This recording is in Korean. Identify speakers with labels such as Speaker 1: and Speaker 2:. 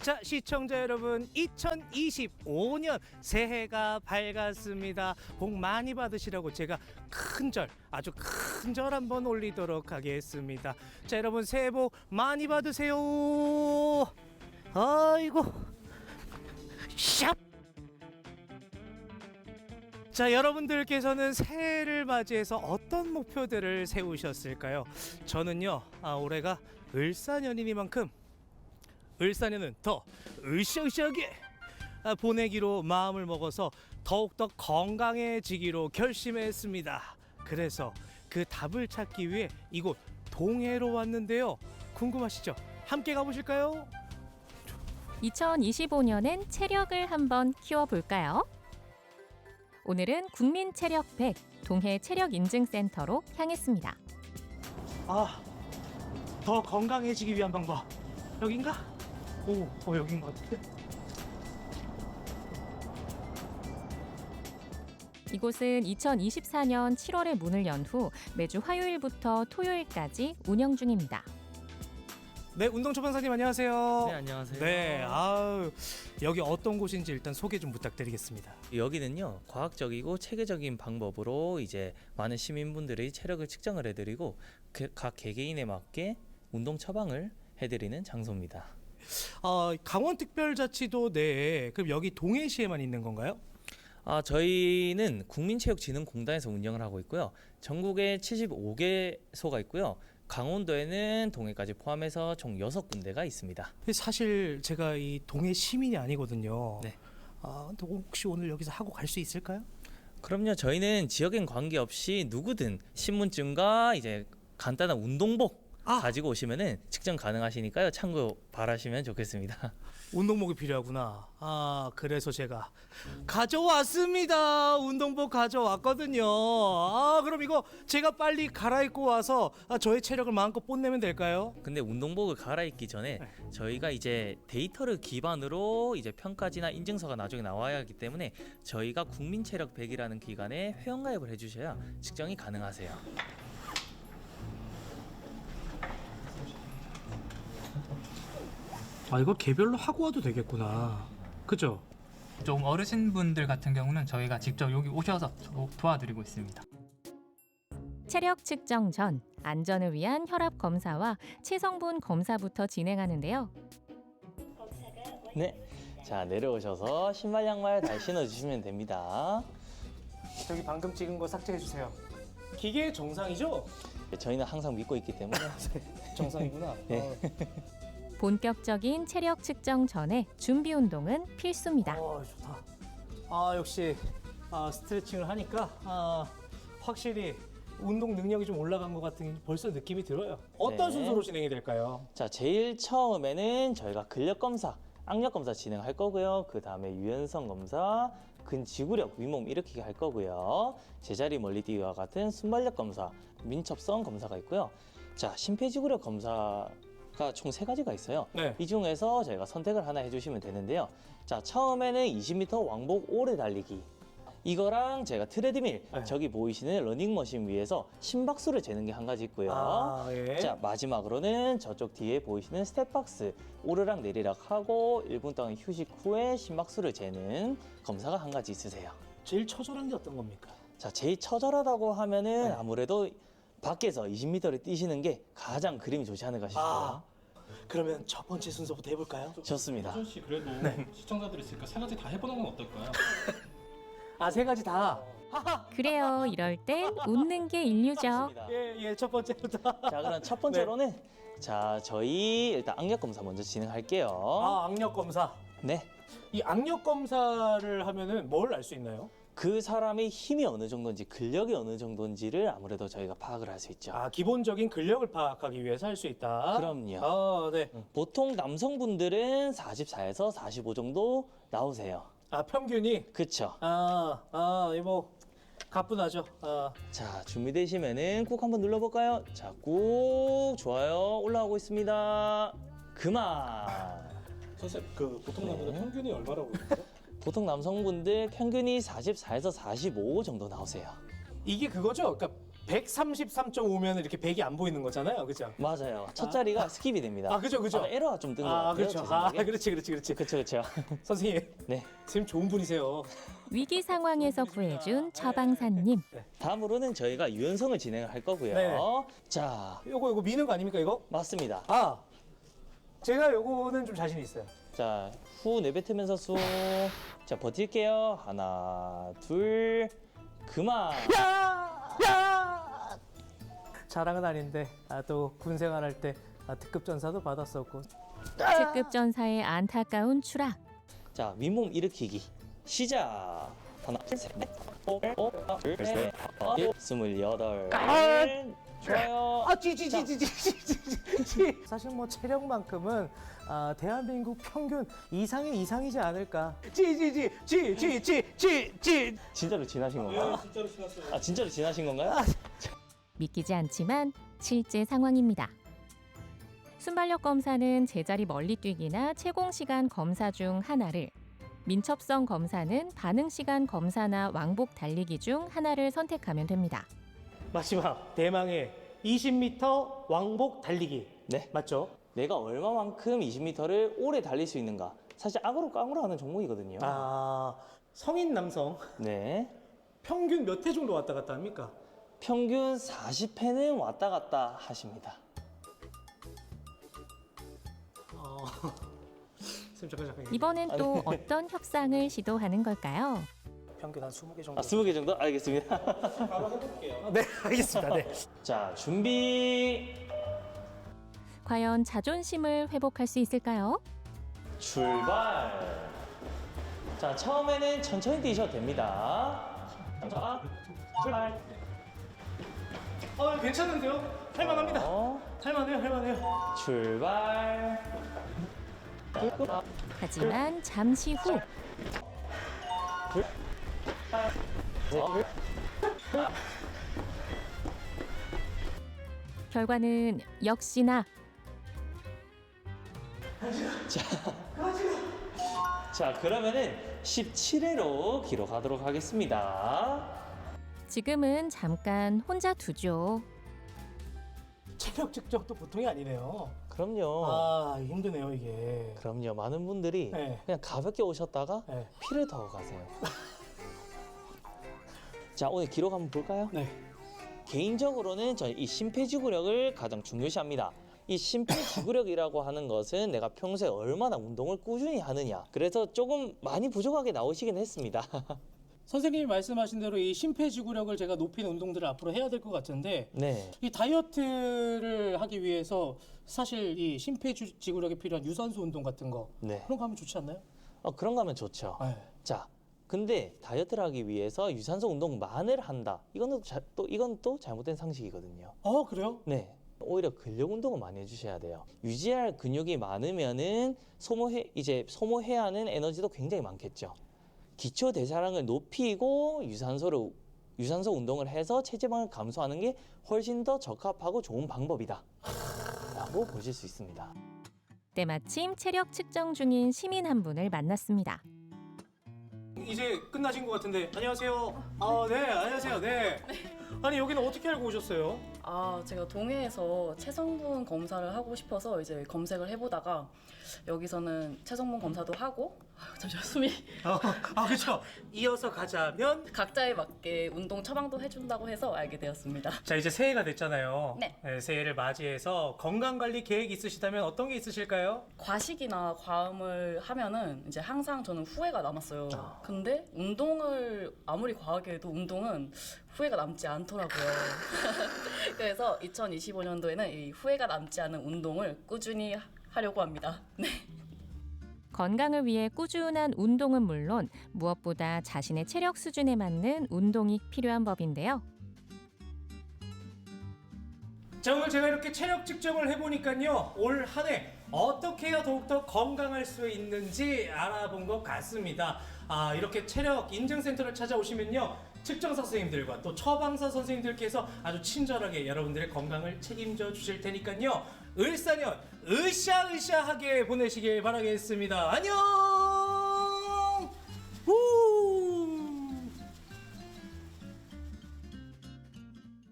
Speaker 1: 자, 시청자 여러분, 2025년 새해가 밝았습니다. 복 많이 받으시라고 제가 큰절, 아주 큰절 한번 올리도록 하겠습니다. 자, 여러분 새해 복 많이 받으세요. 아이고, 샵. 자, 여러분들께서는 새해를 맞이해서 어떤 목표들을 세우셨을까요? 저는요, 올해가 을사년이니만큼 을사년은 더 으쌰으쌰하게 보내기로 마음을 먹어서 더욱더 건강해지기로 결심했습니다. 그래서 그 답을 찾기 위해 이곳 동해로 왔는데요. 궁금하시죠? 함께 가보실까요?
Speaker 2: 2025년엔 체력을 한번 키워볼까요? 오늘은 국민체력 100 동해 체력인증센터로 향했습니다.
Speaker 1: 더 건강해지기 위한 방법 여긴가? 여긴 것 같은데?
Speaker 2: 이곳은 2024년 7월에 문을 연 후 매주 화요일부터 토요일까지 운영 중입니다.
Speaker 1: 네, 운동초반사님 안녕하세요.
Speaker 3: 네, 안녕하세요.
Speaker 1: 네, 여기 어떤 곳인지 일단 소개 좀 부탁드리겠습니다.
Speaker 3: 여기는요, 과학적이고 체계적인 방법으로 이제 많은 시민분들의 체력을 측정을 해드리고 각 개개인에 맞게 운동 처방을 해드리는 장소입니다.
Speaker 1: 강원특별자치도 내에 그럼 여기 동해시에만 있는 건가요?
Speaker 3: 저희는 국민체육진흥공단에서 운영을 하고 있고요. 전국에 75개소가 있고요. 강원도에는 동해까지 포함해서 총 6군데가 있습니다.
Speaker 1: 사실 제가 이 동해 시민이 아니거든요.
Speaker 3: 네.
Speaker 1: 근데 혹시 오늘 여기서 하고 갈 수 있을까요?
Speaker 3: 그럼요. 저희는 지역엔 관계없이 누구든 신분증과 이제 간단한 운동복 가지고 오시면은 측정 가능하시니까요. 참고 바라시면 좋겠습니다.
Speaker 1: 운동복이 필요하구나. 그래서 제가 가져왔습니다. 운동복 가져왔거든요. 그럼 이거 제가 빨리 갈아입고 와서 저의 체력을 마음껏 뽐내면 될까요?
Speaker 3: 근데 운동복을 갈아입기 전에 저희가 이제 데이터를 기반으로 이제 평가지나 인증서가 나중에 나와야 하기 때문에 저희가 국민체력 100이라는 기관에 회원가입을 해주셔야 측정이 가능하세요.
Speaker 1: 이거 개별로 하고 와도 되겠구나. 그죠?
Speaker 4: 좀 어르신분들 같은 경우는 저희가 직접 여기 오셔서 도와드리고 있습니다.
Speaker 2: 체력 측정 전 안전을 위한 혈압 검사와 체성분 검사부터 진행하는데요.
Speaker 3: 네, 자 내려오셔서 신발 양말 잘 신어주시면 됩니다.
Speaker 1: 저기 방금 찍은 거 삭제해 주세요. 기계 정상이죠?
Speaker 3: 저희는 항상 믿고 있기 때문에
Speaker 1: 정상이구나.
Speaker 3: 네.
Speaker 2: 본격적인 체력 측정 전에 준비 운동은 필수입니다.
Speaker 1: 좋다. 역시 스트레칭을 하니까 확실히 운동 능력이 좀 올라간 것 같은 벌써 느낌이 들어요. 어떤
Speaker 3: 네.
Speaker 1: 순서로 진행이 될까요?
Speaker 3: 자 제일 처음에는 저희가 근력 검사, 악력 검사 진행할 거고요. 그 다음에 유연성 검사, 근지구력, 윗몸 일으키기 할 거고요. 제자리 멀리 뛰기와 같은 순발력 검사, 민첩성 검사가 있고요. 자 심폐지구력 검사가 총 3가지가 있어요.
Speaker 1: 네.
Speaker 3: 이 중에서 저희가 선택을 하나 해주시면 되는데요. 자 처음에는 20m 왕복 오래 달리기. 이거랑 제가 트레드밀,
Speaker 1: 네.
Speaker 3: 저기 보이시는 러닝머신 위에서 심박수를 재는 게 한 가지 있고요.
Speaker 1: 예.
Speaker 3: 자 마지막으로는 저쪽 뒤에 보이시는 스텝박스 오르락 내리락 하고 1분 동안 휴식 후에 심박수를 재는 검사가 한 가지 있으세요.
Speaker 1: 제일 처절한 게 어떤 겁니까?
Speaker 3: 자 제일 처절하다고 하면은
Speaker 1: 네.
Speaker 3: 아무래도 밖에서 20m를 뛰시는 게 가장 그림이 좋지 않을까 싶어요.
Speaker 1: 그러면 첫 번째 순서부터 해볼까요?
Speaker 3: 좋습니다.
Speaker 5: 호준 씨 그래도 시청자들이 있으니까 3가지 다 해보는 건 어떨까요?
Speaker 1: 3가지 다.
Speaker 2: 그래요, 이럴 땐 웃는 게 인류죠.
Speaker 3: 좋습니다.
Speaker 1: 예, 첫 번째부터.
Speaker 3: 자 그럼 첫 번째로는 자 저희 일단 악력 검사 먼저 진행할게요.
Speaker 1: 악력 검사.
Speaker 3: 네.
Speaker 1: 이 악력 검사를 하면은 뭘 알 수 있나요?
Speaker 3: 그 사람의 힘이 어느 정도인지 근력이 어느 정도인지를 아무래도 저희가 파악을 할 수 있죠.
Speaker 1: 기본적인 근력을 파악하기 위해서 할 수 있다.
Speaker 3: 그럼요.
Speaker 1: 네.
Speaker 3: 보통 남성분들은 44에서 45 정도 나오세요.
Speaker 1: 평균이.
Speaker 3: 그쵸?
Speaker 1: 이거 가뿐하죠.
Speaker 3: 자 준비되시면은 꾹 한번 눌러볼까요? 자 꾹 좋아요 올라오고 있습니다. 그만.
Speaker 5: 선생님 그 보통 남자들 평균이 얼마라고 그러죠?
Speaker 3: 보통 남성분들 평균이 44에서 45 정도 나오세요.
Speaker 1: 이게 그거죠. 그러니까 133.5면 이렇게 100이 안 보이는 거잖아요, 그죠?
Speaker 3: 맞아요. 첫 자리가 스킵이 됩니다.
Speaker 1: 아, 그죠, 그죠.
Speaker 3: 에러가 좀 뜬 것
Speaker 1: 아,
Speaker 3: 같아요.
Speaker 1: 그렇죠.
Speaker 3: 제 생각에.
Speaker 1: 아, 그렇지.
Speaker 3: 그렇죠.
Speaker 1: 선생님,
Speaker 3: 네.
Speaker 1: 선생님 좋은 분이세요.
Speaker 2: 위기 상황에서 구해준 처방사님.
Speaker 3: 다음으로는 저희가 유연성을 진행할 거고요.
Speaker 1: 네.
Speaker 3: 자,
Speaker 1: 요거 미는 거 아닙니까, 이거?
Speaker 3: 맞습니다.
Speaker 1: 아, 제가 요거는 좀 자신 있어요.
Speaker 3: 자, 후 내뱉으면서 숨. 자, 버틸게요. 하나, 둘, 그만.
Speaker 1: 야! 자랑은 아닌데, 또 군 생활할 때 특급 전사도 받았었고.
Speaker 2: 특급 전사의 안타까운 추락.
Speaker 3: 자, 윗몸 일으키기. 시작. 하나, 둘, 셋, 넷, 둘, 셋, 넷, 28. 좋아요.
Speaker 1: 사실 뭐 체력만큼은 대한민국 평균 이상이지 않을까.
Speaker 3: 진짜로 지나신 건가요?
Speaker 5: 진짜로 신었어요.
Speaker 3: 아, 진짜로 지나신 건가요?
Speaker 2: 믿기지 않지만 실제 상황입니다. 순발력 검사는 제자리 멀리 뛰기나 채공 시간 검사 중 하나를, 민첩성 검사는 반응 시간 검사나 왕복 달리기 중 하나를 선택하면 됩니다.
Speaker 1: 마지막 대망의 20m 왕복 달리기.
Speaker 3: 네.
Speaker 1: 맞죠?
Speaker 3: 내가 얼마만큼 20m를 오래 달릴 수 있는가. 사실 악으로 깡으로 하는 종목이거든요.
Speaker 1: 성인 남성
Speaker 3: 네.
Speaker 1: 평균 몇 회 정도 왔다 갔다 합니까?
Speaker 3: 평균 40회는 왔다 갔다 하십니다.
Speaker 1: 선생님 잠깐.
Speaker 2: 이번엔 또 어떤 협상을 시도하는 걸까요?
Speaker 1: 평균 한 20개 정도.
Speaker 3: 아, 20개 정도? 알겠습니다.
Speaker 1: 네, 알겠습니다. 네.
Speaker 3: 자, 준비.
Speaker 2: 과연 자존심을 회복할 수 있을까요?
Speaker 3: 출발. 자, 처음에는 천천히 뛰셔도 됩니다. 자, 출발.
Speaker 1: 괜찮은데요? 할만합니다. 할만해요.
Speaker 3: 출발.
Speaker 2: 하지만 잠시 후 결과는 역시나
Speaker 3: 자, 그러면은 17회로 기록하도록 하겠습니다.
Speaker 2: 지금은 잠깐 혼자 두죠.
Speaker 1: 체력 측정도 보통이 아니네요.
Speaker 3: 그럼요.
Speaker 1: 힘드네요 이게.
Speaker 3: 그럼요. 많은 분들이
Speaker 1: 네.
Speaker 3: 그냥 가볍게 오셨다가
Speaker 1: 네.
Speaker 3: 피를 더 가세요. 자, 오늘 기록 한번 볼까요?
Speaker 1: 네.
Speaker 3: 개인적으로는 저는 이 심폐지구력을 가장 중요시합니다. 이 심폐지구력이라고 하는 것은 내가 평소에 얼마나 운동을 꾸준히 하느냐. 그래서 조금 많이 부족하게 나오시긴 했습니다.
Speaker 1: 선생님이 말씀하신 대로 이 심폐지구력을 제가 높이는 운동들을 앞으로 해야 될 것 같은데
Speaker 3: 네.
Speaker 1: 이 다이어트를 하기 위해서 사실 이 심폐지구력에 필요한 유산소 운동 같은 거
Speaker 3: 네.
Speaker 1: 그런 거 하면 좋지 않나요?
Speaker 3: 그런 거 하면 좋죠.
Speaker 1: 네.
Speaker 3: 자, 근데 다이어트를 하기 위해서 유산소 운동만을 한다. 이건 또 잘못된 상식이거든요.
Speaker 1: 그래요?
Speaker 3: 네. 오히려 근력 운동을 많이 해주셔야 돼요. 유지할 근육이 많으면은 소모해야 하는 에너지도 굉장히 많겠죠. 기초 대사량을 높이고 유산소 운동을 해서 체지방을 감소하는 게 훨씬 더 적합하고 좋은 방법이다. 라고 보실 수 있습니다.
Speaker 2: 때마침 체력 측정 중인 시민 한 분을 만났습니다.
Speaker 1: 이제 끝나신 것 같은데 안녕하세요. 네, 안녕하세요. 네. 아니 여기는 어떻게 알고 오셨어요?
Speaker 6: 제가 동해에서 체성분 검사를 하고 싶어서 이제 검색을 해보다가 여기서는 체성분 검사도 하고 잠시만 숨이
Speaker 1: 그렇죠. 이어서 가자면
Speaker 6: 각자에 맞게 운동 처방도 해준다고 해서 알게 되었습니다.
Speaker 1: 자 이제 새해가 됐잖아요.
Speaker 6: 네.
Speaker 1: 새해를 맞이해서 건강관리 계획 있으시다면 어떤 게 있으실까요?
Speaker 6: 과식이나 과음을 하면은 이제 항상 저는 후회가 남았어요. 근데 운동을 아무리 과하게 해도 운동은 후회가 남지 않더라고요. 그래서 2025년도에는 이 후회가 남지 않은 운동을 꾸준히 하려고 합니다. 네.
Speaker 2: 건강을 위해 꾸준한 운동은 물론 무엇보다 자신의 체력 수준에 맞는 운동이 필요한 법인데요.
Speaker 1: 자 오늘 제가 이렇게 체력 측정을 해보니까요 올 한 해 어떻게 해야 더욱더 건강할 수 있는지 알아본 것 같습니다. 이렇게 체력 인증센터를 찾아오시면요 측정사 선생님들과 또 처방사 선생님들께서 아주 친절하게 여러분들의 건강을 책임져 주실 테니까요 을사년 으쌰으쌰하게 보내시길 바라겠습니다. 안녕.